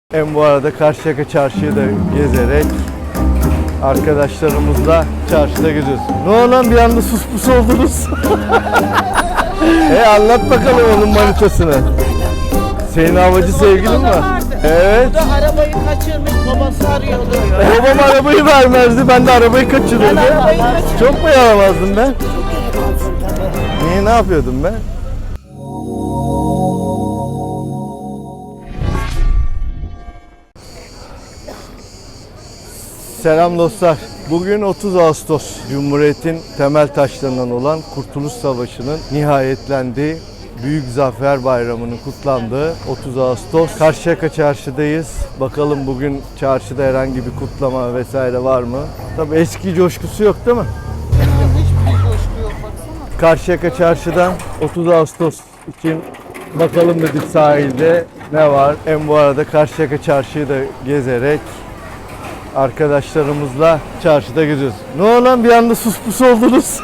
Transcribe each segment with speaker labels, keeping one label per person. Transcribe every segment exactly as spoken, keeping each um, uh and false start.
Speaker 1: Hem bu arada Karşıyaka Çarşı'yı da gezerek arkadaşlarımızla çarşıda geziyoruz. Ne oldu lan bir anda sus pus oldunuz? e anlat bakalım onun manitasını. Senin havacı sevgilin mi? Evet.
Speaker 2: O da arabayı kaçırmış, babası arıyordu.
Speaker 1: Babam arabayı vermezdi, ben de arabayı kaçırıyordum.
Speaker 2: Ben arabayı kaçırdım.
Speaker 1: Çok mu yaramazdım ben? Niye, ne yapıyordum ben? Selam dostlar. Bugün otuz Ağustos. Cumhuriyet'in temel taşlarından olan Kurtuluş Savaşı'nın nihayetlendiği Büyük Zafer Bayramı'nın kutlandığı otuz Ağustos. Karşıyaka Çarşı'dayız. Bakalım bugün çarşıda herhangi bir kutlama vesaire var mı? Tabii eski coşkusu yok değil mi?
Speaker 2: Hiçbir coşku yok baksana.
Speaker 1: Karşıyaka Çarşı'dan otuz Ağustos için bakalım dedik sahilde ne var. Hem bu arada Karşıyaka Çarşı'yı da gezerek arkadaşlarımızla çarşıda geziyoruz. Ne oldu lan bir anda sus pus oldunuz?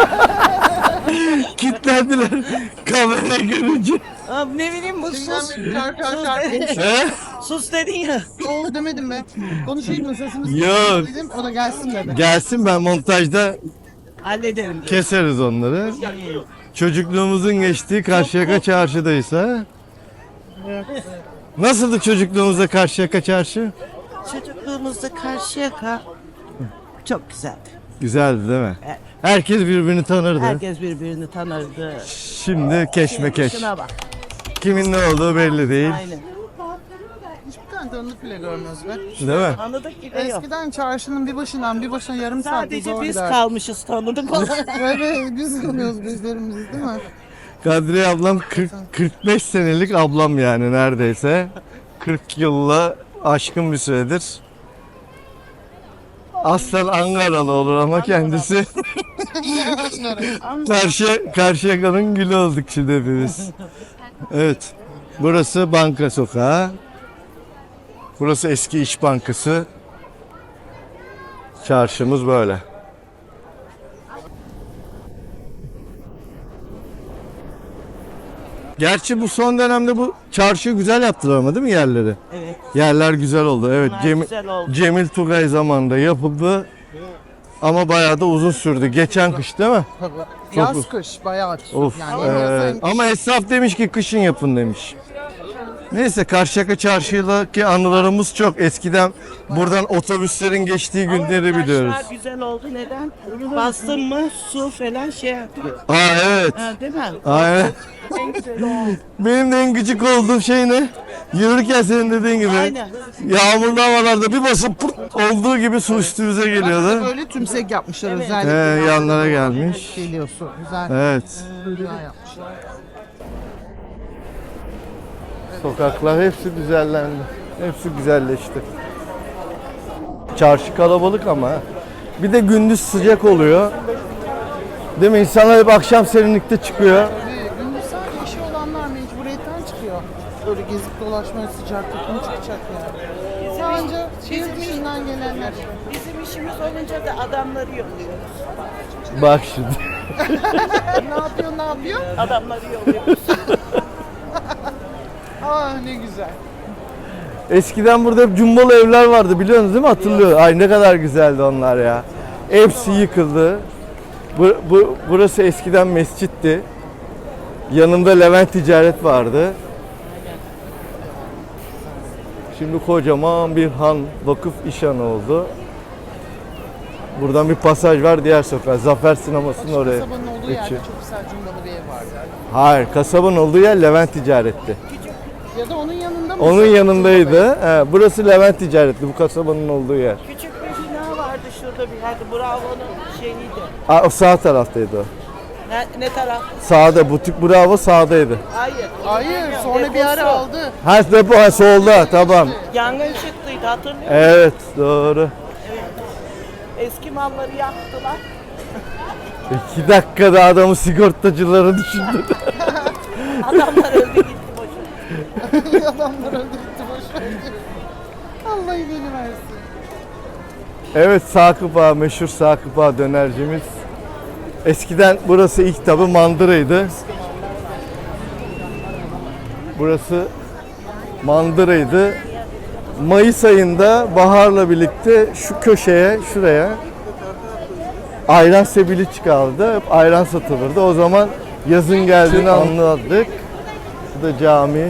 Speaker 1: Kitlendiler kamera görünce.
Speaker 2: Abi ne bileyim bu sus.
Speaker 3: Şarkı şarkı.
Speaker 1: He?
Speaker 2: Sus dedin ya.
Speaker 3: Oğuz demedim ben. Konuşayım mı sesimiz?
Speaker 1: Yok.
Speaker 3: Dedim o da gelsin dedi.
Speaker 1: Gelsin, ben montajda
Speaker 2: Hallederim.
Speaker 1: keseriz onları. Çocukluğumuzun geçtiği Karşıyaka Çarşı'dayız ha. Nasıldı çocukluğumuzda Karşıyaka Çarşı?
Speaker 2: Çocukluğumuzda Karşıyaka çok güzeldi.
Speaker 1: Güzeldi değil mi?
Speaker 2: Evet.
Speaker 1: Herkes birbirini tanırdı.
Speaker 2: Herkes birbirini tanırdı.
Speaker 1: Şimdi keşmekeş.
Speaker 2: Şuna bak.
Speaker 1: Kimin ne olduğu belli değil.
Speaker 2: Aynen.
Speaker 3: Hiçbir tane tanıdık bile görmüyoruz be.
Speaker 1: Değil mi?
Speaker 2: Tanıdık gibi yok.
Speaker 3: Eskiden çarşının bir başından bir başına yarım saat
Speaker 2: Sadece
Speaker 3: zor
Speaker 2: biz
Speaker 3: gider.
Speaker 2: kalmışız tanıdık olarak.
Speaker 3: Böyle biz kalıyoruz bizlerimiz değil mi?
Speaker 1: Kadriye ablam kırk kırk beş senelik ablam yani neredeyse. kırk yılla aşkın bir süredir. Aslen Ankaralı olur ama kendisi Karşı Karşıyaka'nın gülü olduk şimdi hepimiz. Evet. Burası Banka Sokağı. Burası eski İş Bankası. Çarşımız böyle. Gerçi bu son dönemde bu çarşıyı güzel yaptılar ama değil mi yerleri?
Speaker 2: Evet.
Speaker 1: Yerler güzel oldu. Evet.
Speaker 2: Bunlar
Speaker 1: Cemil,
Speaker 2: güzel oldu.
Speaker 1: Cemil Tugay zamanında yapıldı. Ama bayağı da uzun sürdü. Geçen kış değil mi?
Speaker 3: Tabii. Yaz kış bayağı.
Speaker 1: Of.
Speaker 3: Yani
Speaker 1: Ee,
Speaker 3: hem yaz hem kış.
Speaker 1: ama esnaf demiş ki kışın yapın demiş. Neyse Karşıyaka Çarşı'daki anılarımız çok. Eskiden buradan otobüslerin geçtiği günleri biliyoruz.
Speaker 2: Taşlar güzel oldu. Neden? Bastın mı su falan şey yapıyor.
Speaker 1: Aa evet.
Speaker 2: Ha, değil mi?
Speaker 1: Aa, evet.
Speaker 2: En güzel oldu.
Speaker 1: Benim de en gıcık olduğum şey ne? Yürürken senin dediğin gibi.
Speaker 2: Aynen.
Speaker 1: Yağmurlu havalarda bir basıp pırt olduğu gibi su üstümüze geliyordu.
Speaker 3: Böyle tümsek yapmışlar
Speaker 2: Evet.
Speaker 3: özellikle.
Speaker 1: He, yanlara gelmiş.
Speaker 3: Geliyor su. Güzel.
Speaker 1: Evet.
Speaker 3: Güzel yapmışlar.
Speaker 1: Sokaklar hepsi düzenlendi. Hepsi güzelleşti. Çarşı kalabalık ama. Bir de gündüz sıcak oluyor. Değil mi? İnsanlar hep akşam serinlikte çıkıyor.
Speaker 3: Tabii gündüz sadece işi olanlar mecburiyetten çıkıyor. Böyle gezip dolaşmaya sıcakta kim çıkacak yani. Sadece şehir dışından gelenler.
Speaker 2: Bizim işimiz olunca da adamları yolluyoruz.
Speaker 1: Bak şimdi.
Speaker 3: Ne yapıyor ne yapıyor?
Speaker 2: Adamları yolluyoruz.
Speaker 3: Ah ne güzel.
Speaker 1: Eskiden burada hep cumbalı evler vardı biliyorsunuz değil mi? Hatırlıyor. Ay ne kadar güzeldi onlar ya. Hepsi yıkıldı. Bu, bu, burası eskiden mescitti. Yanında Levent Ticaret vardı. Şimdi kocaman bir han, vakıf işhanı oldu. Buradan bir pasaj var diğer sokağa. Zafer Sineması'nın oraya.
Speaker 3: Kasabanın olduğu yerde
Speaker 1: geçiyor.
Speaker 3: çok güzel cumbalı bir ev vardı.
Speaker 1: Hayır, kasabanın olduğu yer Levent Ticaret'ti.
Speaker 3: Ya da onun yanında mı?
Speaker 1: Onun yanındaydı. He, burası Levent Ticaret'ti, bu kasabanın olduğu yer.
Speaker 2: Küçük bir bina vardı şurada bir yerde. Bravo'nun şeyiydi.
Speaker 1: Aa, o sağ taraftaydı o.
Speaker 2: Ne, ne taraf?
Speaker 1: Sağda, butik Bravo sağdaydı.
Speaker 2: Hayır.
Speaker 3: Hayır sonra bir ara aldı.
Speaker 1: Ha depo ha, solda, tamam.
Speaker 2: Yangın çıktıydı hatırlıyor musun?
Speaker 1: Evet, doğru.
Speaker 2: Eski malları yaktılar.
Speaker 1: İki dakikada adamı sigortacıları düşündürdü.
Speaker 2: Adamlar öldü gitti boşuna.
Speaker 3: Adamlar öldü gitti boşver. Allah iyiliğini versin.
Speaker 1: Evet, Sakıp Ağa, meşhur Sakıp Ağa dönercimiz. Eskiden burası ilk tabi mandıraydı. Burası mandıraydı. Mayıs ayında baharla birlikte şu köşeye, şuraya ayran sebili çıkardı. Hep ayran satılırdı. O zaman yazın geldiğini anladık. Bu da cami.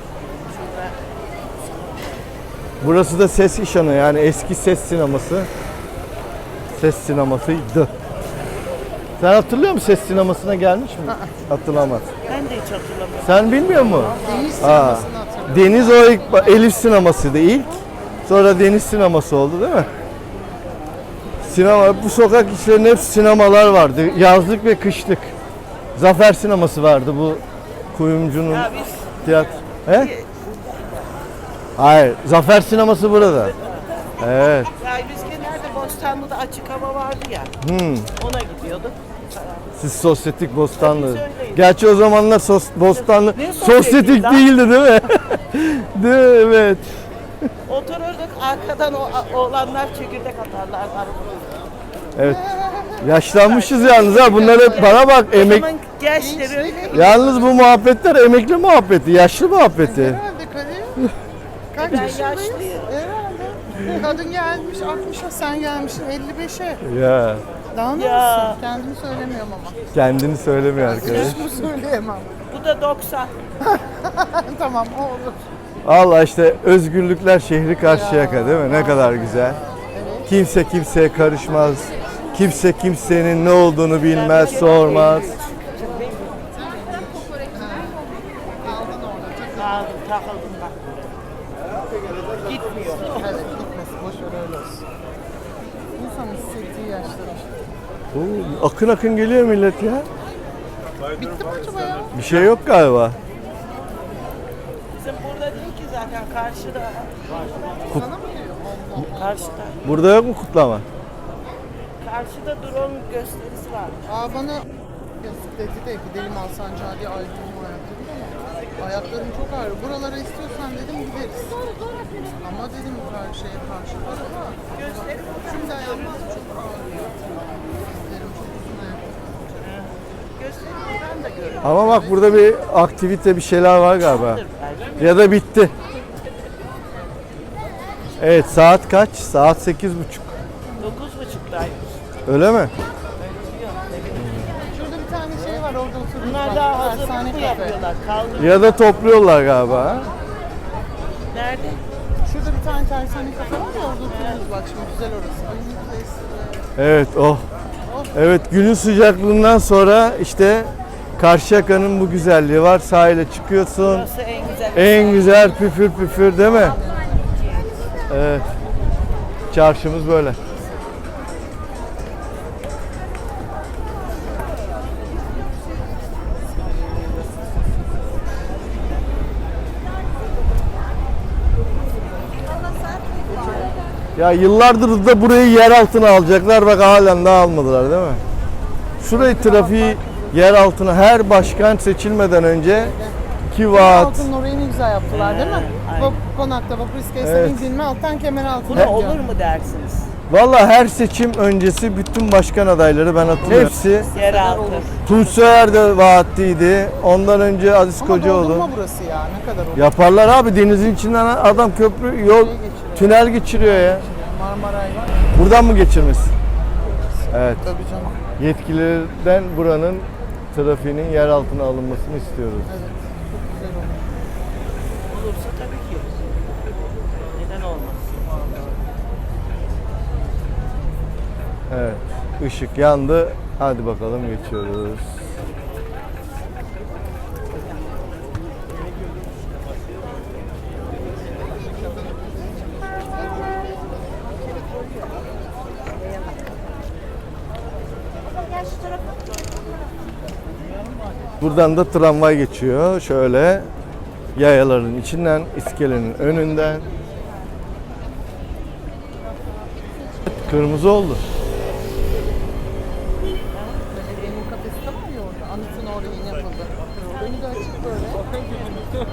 Speaker 1: Burası da ses işanı, yani eski ses sineması. Ses sinemasıydı. Sen hatırlıyor musun, ses sinemasına gelmiş mi? Hatırlamaz.
Speaker 2: Ben de hiç hatırlamıyorum.
Speaker 1: Sen bilmiyor musun?
Speaker 3: Deniz
Speaker 1: Aa,
Speaker 3: sinemasını hatırlıyorum.
Speaker 1: Deniz o ilk, Elif sinemasıydı ilk. Sonra deniz sineması oldu değil mi? Sinema, bu sokak içlerinde hep sinemalar vardı. Yazlık ve kışlık. Zafer sineması vardı bu kuyumcunun
Speaker 2: Ya biz
Speaker 1: tiyatro. He? Hayır, Zafer sineması burada. Evet.
Speaker 2: ya biz genelde Bostanlı'da açık hava vardı ya.
Speaker 1: Hmm.
Speaker 2: Ona gidiyorduk.
Speaker 1: Siz sosyetik Bostanlı.
Speaker 2: Biz öyleyiz.
Speaker 1: Gerçi o zamanlar sos, Bostanlı
Speaker 2: Ne sosyetik
Speaker 1: sosyetik
Speaker 2: lan?
Speaker 1: değildi değil mi? Değil mi? Evet.
Speaker 2: Otururduk arkadan o oğlanlar çekirdek atarlar arabada.
Speaker 1: Evet. Yaşlanmışız yalnız ha. Bunlar hep bana bak
Speaker 2: O
Speaker 1: emek.
Speaker 2: zaman gençleri öyle.
Speaker 1: Yalnız bu muhabbetler emekli muhabbeti, yaşlı muhabbeti.
Speaker 3: Herhalde Kadir. Kaç
Speaker 2: Ben
Speaker 3: yaşındayız?
Speaker 2: yaşlıyım.
Speaker 3: Herhalde. Kadın gelmiş altmışa, sen gelmişsin elli beşe.
Speaker 1: Ya
Speaker 3: Daha ne
Speaker 2: Ya.
Speaker 3: olsun? Kendimi söylemiyorum ama.
Speaker 1: kendini söylemiyor arkadaş.
Speaker 3: Yaşımı söyleyemem.
Speaker 2: Bu da doksan.
Speaker 3: Tamam o olur.
Speaker 1: Allah işte özgürlükler şehri Karşıyaka değil mi? Ne kadar güzel. Kimse kimseye karışmaz. Kimse kimsenin ne olduğunu bilmez, sormaz.
Speaker 2: Aldım, takıldım bak. Gitmiyor.
Speaker 3: Evet gitmesin boş ver öyle olsun. İnsan hissettiği yaşlar.
Speaker 1: Oo, akın akın geliyor millet ya.
Speaker 3: Bitti mi acaba ya?
Speaker 1: Bir şey yok galiba.
Speaker 2: Bizim burada değil ki zaten karşıda.
Speaker 3: Sana mı diyor?
Speaker 2: Karşıda.
Speaker 1: Burada yok mu kutlama?
Speaker 2: Karşıda drone gösterisi var.
Speaker 3: Aa bana yazık dedi de gidelim Alsancak'a diye ayrıldım ayaklarım ama ayaklarım çok ağrıyor. Buralara istiyorsan dedim gideriz. Ama dedim karşıya karşı var ama
Speaker 2: Gösteri
Speaker 3: şimdi ayağım çok ağrıyor. Dizlerim çok uzun ayaklarım.
Speaker 2: gösteri ben de görüyorum.
Speaker 1: Ama bak burada bir aktivite, bir şeyler var galiba.
Speaker 2: Belki
Speaker 1: Ya da bitti. Evet, saat kaç? Saat sekiz buçuk.
Speaker 2: dokuz buçuktaymış.
Speaker 1: Öyle mi?
Speaker 3: Şurada bir tane şey var orada oturuyoruz.
Speaker 2: Bunlar
Speaker 3: bak,
Speaker 2: daha
Speaker 3: tersane
Speaker 2: hazırlıklı
Speaker 3: kafe.
Speaker 2: yapıyorlar. Kaldır.
Speaker 1: Ya da topluyorlar galiba. ha?
Speaker 2: Nerede?
Speaker 3: Şurada bir tane tersane kafe var ya orada oturuyoruz bak şimdi güzel orası. Ay ne güzel esiyor.
Speaker 1: Evet, oh. Evet, günün sıcaklığından sonra işte Karşıyaka'nın bu güzelliği var. Sahile çıkıyorsun.
Speaker 2: Burası en güzel.
Speaker 1: En güzel püfür püfür değil mi? Evet. Çarşımız böyle. Ya yıllardır da burayı yer altına alacaklar. Bak halen daha almadılar değil mi? Şurayı trafiği yer altına her başkan seçilmeden önce iki vaat.
Speaker 3: Altın orayı ne güzel yaptılar değil mi?
Speaker 2: aynen.
Speaker 3: Vap, konakta vapur iskelesi
Speaker 1: Evet.
Speaker 3: indirme alttan kemer altına.
Speaker 2: Buna olur mu dersiniz?
Speaker 1: Valla her seçim öncesi bütün başkan adayları ben hatırlıyorum. Hepsi.
Speaker 2: Yeraltı.
Speaker 1: Tunç Soyer de vaatliydi. Ondan önce Aziz
Speaker 3: Ama
Speaker 1: Kocaoğlu.
Speaker 3: doldurma burası ya ne kadar olur.
Speaker 1: Yaparlar abi, denizin içinden adam köprü, yol, tünel geçiriyor ya.
Speaker 3: Marmaray var.
Speaker 1: Buradan mı geçirmesi? Evet.
Speaker 3: Tabii canım.
Speaker 1: Yetkililerden buranın trafiğinin yer altına alınmasını istiyoruz.
Speaker 3: Evet. Çok güzel olur.
Speaker 2: Olursa tabii ki. Neden olmaz?
Speaker 1: Evet. Işık yandı. Hadi bakalım geçiyoruz. Buradan da tramvay geçiyor. Şöyle yayaların içinden, iskelenin önünden. Kırmızı oldu.
Speaker 3: Belediyenin kafesi de var ya orada. Anıtın orada yeni yapıldı. Önü de açık böyle. Evet.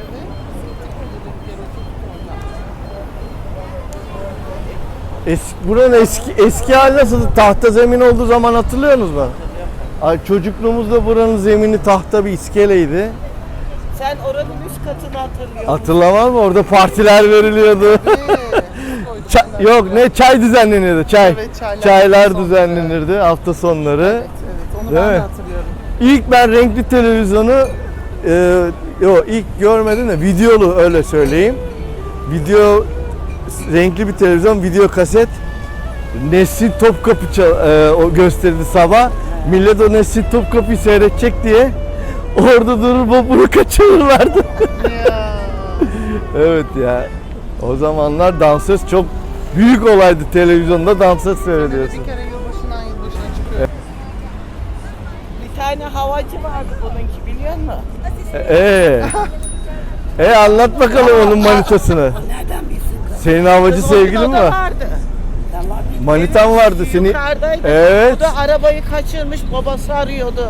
Speaker 1: Eski, buranın eski eski hali nasıldı? Tahta zemin olduğu zaman hatırlıyorsunuz mu? Ay, çocukluğumuzda buranın zemini tahta bir iskeleydi.
Speaker 2: Sen oranın üst katını hatırlıyorum.
Speaker 1: Hatırlamaz mı? Orada partiler veriliyordu. Ça- yok ne çay düzenleniyordu. Çay.
Speaker 3: Evet, çaylar
Speaker 1: Çaylar
Speaker 3: hafta
Speaker 1: düzenlenirdi hafta sonları.
Speaker 3: Evet, onu
Speaker 1: Değil
Speaker 3: ben
Speaker 1: mi?
Speaker 3: de hatırlıyorum.
Speaker 1: İlk ben renkli televizyonu e, yok ilk görmedim de videolu öyle söyleyeyim. Video renkli bir televizyon, video kaset. Nesin Topkapı çal- e, o gösterdi sabah. Millet o Nesin Topkapı'yı seyredecek diye orada durur babunu kaçırırlardı.
Speaker 3: Ya.
Speaker 1: Evet ya. O zamanlar dansöz çok büyük olaydı, televizyonda dansöz seyrediyorsun.
Speaker 3: Bir kere yılbaşından yılbaşına çıkıyor.
Speaker 2: Bir tane havacı vardı bununki biliyor musun?
Speaker 1: Ee. E anlat bakalım onun manitasını.
Speaker 2: Nereden bilsin?
Speaker 1: Senin havacı
Speaker 2: Kız
Speaker 1: sevgilin
Speaker 2: onun
Speaker 1: mi
Speaker 2: o da
Speaker 1: var?
Speaker 2: vardı.
Speaker 1: Manitan vardı seni.
Speaker 2: Yukarıdaydı.
Speaker 1: Evet.
Speaker 2: Bu da arabayı kaçırmış, babası arıyordu.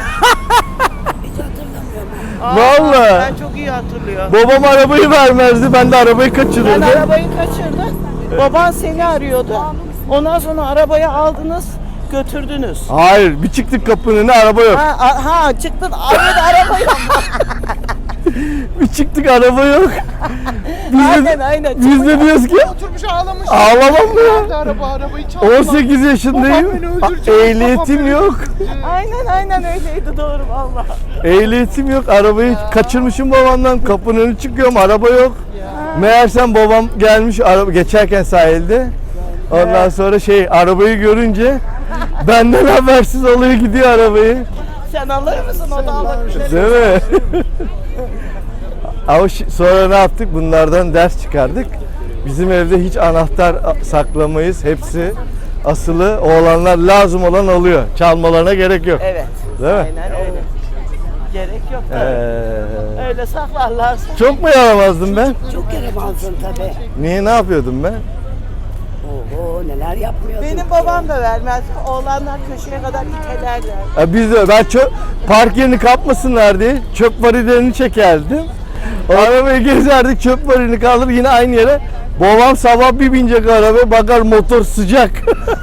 Speaker 2: Aa,
Speaker 1: Vallahi.
Speaker 2: Ben çok iyi hatırlıyorum.
Speaker 1: Babam arabayı vermezdi, ben de arabayı
Speaker 2: Ben
Speaker 1: kaçırırdım.
Speaker 2: arabayı kaçırdım. Baban seni arıyordu. Ondan sonra arabayı aldınız, götürdünüz.
Speaker 1: Hayır, bir çıktık kapının önüne araba yok.
Speaker 2: Ha, a- ha çıktın, arıyordu araba yok.
Speaker 1: Bir çıktık araba yok. Biz
Speaker 2: Aynen
Speaker 1: de,
Speaker 2: aynen.
Speaker 1: biz de diyoruz ki
Speaker 3: Oturmuş ağlamış.
Speaker 1: ağlamam mı ya?
Speaker 3: Nerede araba, arabayı çaldılar.
Speaker 1: on sekiz yaşındayım.
Speaker 3: Babam beni
Speaker 1: A-
Speaker 3: öldürecek,
Speaker 1: Ehliyetim
Speaker 3: babam beni
Speaker 1: yok.
Speaker 2: Aynen aynen öyleydi doğru valla.
Speaker 1: Ehliyetim yok. Arabayı kaçırmışım babamdan. Kapının önüne çıkıyorum. Araba yok. Meğersem babam gelmiş araba geçerken sahilde. Ondan sonra şey arabayı görünce benden habersiz alıyor gidiyor arabayı.
Speaker 2: Sen alır mısın o da alır.
Speaker 1: Değil mi? Ama şi- sonra ne yaptık? Bunlardan ders çıkardık. Bizim evde hiç anahtar a- saklamayız. Hepsi asılı. Oğlanlar lazım olan alıyor. Çalmalarına gerek yok.
Speaker 2: Evet.
Speaker 1: Değil mi?
Speaker 2: Aynen öyle. Gerek yok tabii.
Speaker 1: Ee,
Speaker 2: Öyle saklarlarsa.
Speaker 1: çok mu yaramazdım ben?
Speaker 4: Çok yaramazdın tabii.
Speaker 1: Niye, ne yapıyordum ben?
Speaker 4: Oho neler yapmıyordun.
Speaker 2: Benim babam da vermez. Oğlanlar köşeye kadar itelerler.
Speaker 1: Ya biz de ben çöp park yerini kapmasınlar diye çöp varilerini çekerdim. Arabayı gezerdik, çöp varilini kaldırır yine aynı yere. Babam sabah bir binecek arabaya, bakar motor sıcak.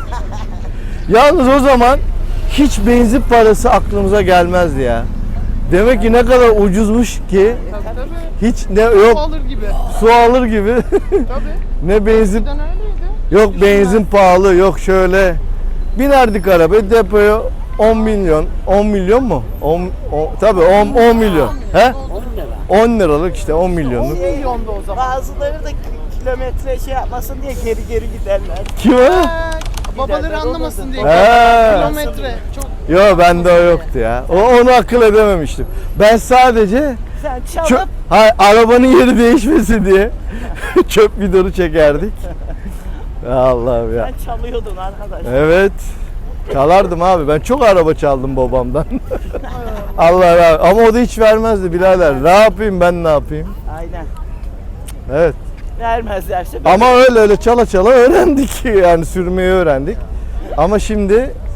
Speaker 1: Yalnız o zaman hiç benzin parası aklımıza gelmezdi ya. Demek ki ne kadar ucuzmuş ki
Speaker 3: Tabii tabii.
Speaker 1: hiç ne
Speaker 3: Su
Speaker 1: yok
Speaker 3: alır gibi.
Speaker 1: su alır gibi
Speaker 3: Tabii.
Speaker 1: ne benzin
Speaker 3: Eskiden öyleydi.
Speaker 1: yok benzin pahalı yok şöyle binerdik arabaya depoya on milyon on milyon mu? on, on tabii on, on milyon. He?
Speaker 4: on lira.
Speaker 1: on liralık işte on
Speaker 3: on
Speaker 1: milyonluk.
Speaker 3: milyondu o zaman.
Speaker 2: Bazıları da ki- kilometre şey yapmasın diye geri geri giderler.
Speaker 1: Kim o?
Speaker 3: Ee, babaları
Speaker 2: Giderler,
Speaker 3: anlamasın diye.
Speaker 1: He.
Speaker 3: Kilometre. Çok
Speaker 1: Yok bende o yoktu ya. O, onu akıl edememiştim. Ben sadece
Speaker 2: Sen
Speaker 1: çöp,
Speaker 2: çalıp
Speaker 1: hay, arabanın yeri değişmesin diye çöp bidonu çekerdik. Allah'ım ya.
Speaker 2: sen çalıyordun arkadaş.
Speaker 1: Evet. Çalardım abi. Ben çok araba çaldım babamdan. Allah razı ama o da hiç vermezdi birader. Ne yapayım ben ne yapayım?
Speaker 2: Aynen.
Speaker 1: Evet.
Speaker 2: Vermezlerse ben
Speaker 1: Ama öyle öyle çala çala öğrendik yani sürmeyi öğrendik. Ama şimdi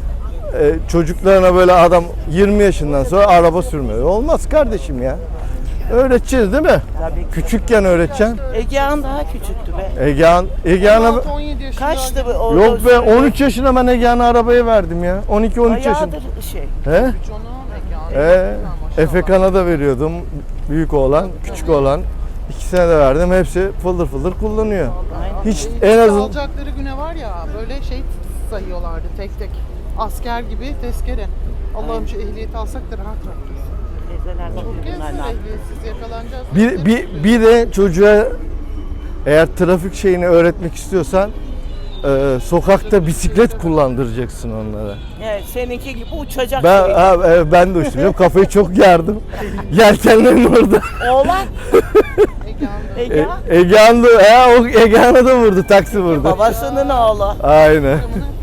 Speaker 1: e, çocuklarına böyle adam yirmi yaşından sonra araba sürmüyor. Olmaz kardeşim ya. Öğreteceğiz değil mi?
Speaker 2: tabii ki.
Speaker 1: Küçükken öğreteceksin.
Speaker 2: Egehan daha küçüktü be.
Speaker 1: Egehan, Egehan'a
Speaker 3: on altı on yedi yaşında.
Speaker 2: Kaçtı bu? o-
Speaker 1: yok
Speaker 2: o
Speaker 1: be
Speaker 2: sürüyor?
Speaker 1: on üç yaşına ben Egehan'a arabayı verdim ya. on iki on üç yaşında.
Speaker 2: Bayağıdır şey.
Speaker 1: He?
Speaker 3: Canım mekanı.
Speaker 1: Ee, Efekan'a da veriyordum. Büyük oğlan, küçük oğlan. İkisine de verdim. Hepsi fıldır fıldır kullanıyor. Hiç en azından
Speaker 3: Alacakları güne var ya böyle şey sayıyorlardı tek tek. Asker gibi tezkere. Allah'ım şu ehliyeti alsak da rahat rahat.
Speaker 2: Teyzeler
Speaker 3: Çok
Speaker 2: bakıyor
Speaker 3: gezsin
Speaker 2: bunlar ne yapıyor.
Speaker 3: ehliyetsiz yakalanacağız.
Speaker 1: bir, bir, bir de çocuğa eğer trafik şeyini öğretmek istiyorsan e, sokakta bisiklet kullandıracaksın onlara.
Speaker 2: Evet, seninki gibi uçacak
Speaker 1: Ben
Speaker 2: gibi.
Speaker 1: ha, e, ben de uçtum. Benim kafayı çok yardım. Yelkenlerin orada.
Speaker 2: Oğlan
Speaker 3: Egehan'da.
Speaker 1: E,
Speaker 2: Egehan
Speaker 1: Egehan da, he, o Egehan'a da vurdu. Taksi vurdu.
Speaker 2: babasının oğlu.
Speaker 1: Aynen.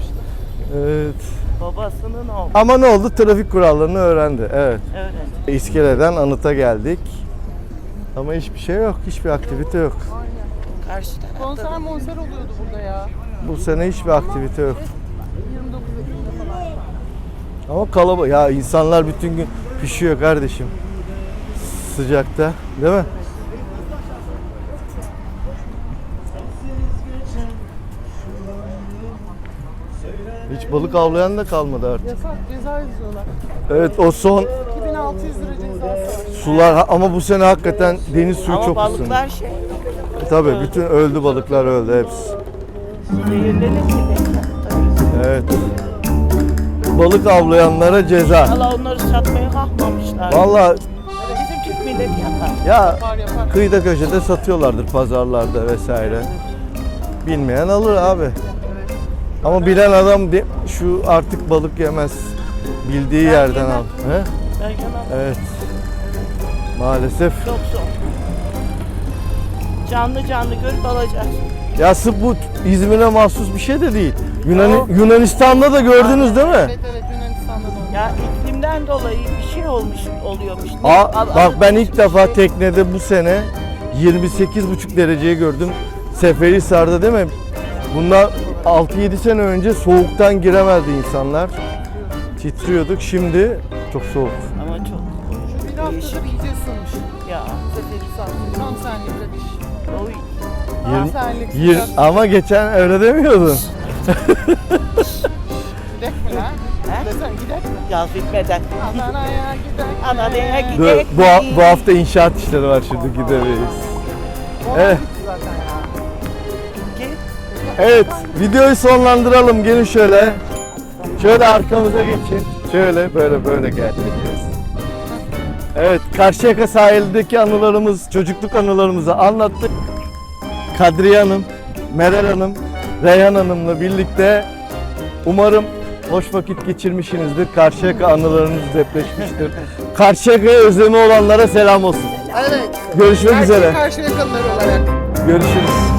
Speaker 1: Evet.
Speaker 2: Babasının oğlu.
Speaker 1: Ama ne oldu? Trafik kurallarını öğrendi. Evet.
Speaker 2: Öyle.
Speaker 1: İskele'den Anıt'a geldik. Ama hiçbir şey yok. Hiçbir aktivite yok.
Speaker 2: Karşı tarafta.
Speaker 3: Konser monser oluyordu burada ya.
Speaker 1: Bu sene hiçbir aktivite yok.
Speaker 3: yirmi dokuz Ekim'de falan.
Speaker 1: Ama kalabalık. Ya insanlar bütün gün pişiyor kardeşim. Sıcakta. Değil mi? Hiç balık avlayan da kalmadı artık.
Speaker 3: Yasak ceza yazıyorlar.
Speaker 1: Evet o son
Speaker 3: iki bin altı yüz lira cezası var.
Speaker 1: Sular ama bu sene hakikaten deniz suyu
Speaker 2: Ama
Speaker 1: çok ısındı.
Speaker 2: balıklar şey
Speaker 1: Tabii bütün öldü balıklar öldü hepsi.
Speaker 2: zehirlenir ki. Tabii.
Speaker 1: Evet. Balık avlayanlara ceza.
Speaker 2: Valla onları satmaya kalkmamışlar.
Speaker 1: Vallahi
Speaker 2: Bizim Türk milleti yapar.
Speaker 1: ya
Speaker 3: Yapar yapar.
Speaker 1: kıyıda köşede satıyorlardır pazarlarda vesaire. Bilmeyen alır abi. Ama bilen adam de- şu artık balık yemez. Bildiği
Speaker 2: Ben
Speaker 1: yerden
Speaker 2: yemem.
Speaker 1: al. He?
Speaker 2: Ben yanam.
Speaker 1: Evet. Maalesef.
Speaker 2: Çok zor. Canlı canlı görüp alacağız.
Speaker 1: Ya sırf bu İzmir'e mahsus bir şey de değil. Yunan
Speaker 2: Yok.
Speaker 1: Yunanistan'da da gördünüz değil mi?
Speaker 3: Evet evet Yunanistan'da da oluyor.
Speaker 2: Ya iklimden dolayı bir şey olmuş oluyormuş.
Speaker 1: Aa,
Speaker 2: Al-
Speaker 1: bak
Speaker 2: alınmış
Speaker 1: ben ilk
Speaker 2: bir
Speaker 1: defa
Speaker 2: şey.
Speaker 1: teknede bu sene yirmi sekiz buçuk dereceyi gördüm. Seferihisar'da değil mi? Bundan altı yedi sene önce soğuktan giremezdi insanlar. Titriyorduk. Şimdi çok soğuk.
Speaker 2: Ama çok
Speaker 3: Şu bir
Speaker 2: değişik.
Speaker 3: haftadır iyice ısınmış.
Speaker 2: Ya.
Speaker 3: Seferihisar. Tam senlik bir iş.
Speaker 2: Oy.
Speaker 3: Tam
Speaker 1: Yirmi-
Speaker 3: senlik.
Speaker 1: Yir, ama geçen öyle demiyordun.
Speaker 3: Gidek mi lan?
Speaker 2: He?
Speaker 3: Desene gidek mi?
Speaker 2: Yaz bitmeden.
Speaker 3: Adana'ya gidek mi?
Speaker 2: Adana'ya gidek.
Speaker 1: Dur,
Speaker 2: Gidek
Speaker 1: bu, ha-
Speaker 2: mi?
Speaker 1: bu hafta inşaat işleri var şimdi gidemeyiz.
Speaker 3: Olan
Speaker 1: Evet.
Speaker 3: gitti zaten ya.
Speaker 2: Ki
Speaker 1: Evet, videoyu sonlandıralım. Gelin şöyle. Şöyle arkamıza geçin. Şöyle böyle böyle geleceğiz. Evet, Karşıyaka sahildeki anılarımız, çocukluk anılarımızı anlattık. Kadriye Hanım, Meral Hanım, Reyhan Hanım'la birlikte umarım hoş vakit geçirmişsinizdir. Karşıyaka anılarınız depreşmiştir. Karşıyaka'ya özlemi olanlara selam olsun.
Speaker 3: Evet.
Speaker 1: Görüşmek
Speaker 3: Erkek
Speaker 1: üzere.
Speaker 3: karşı yakalıları olarak.
Speaker 1: Görüşürüz.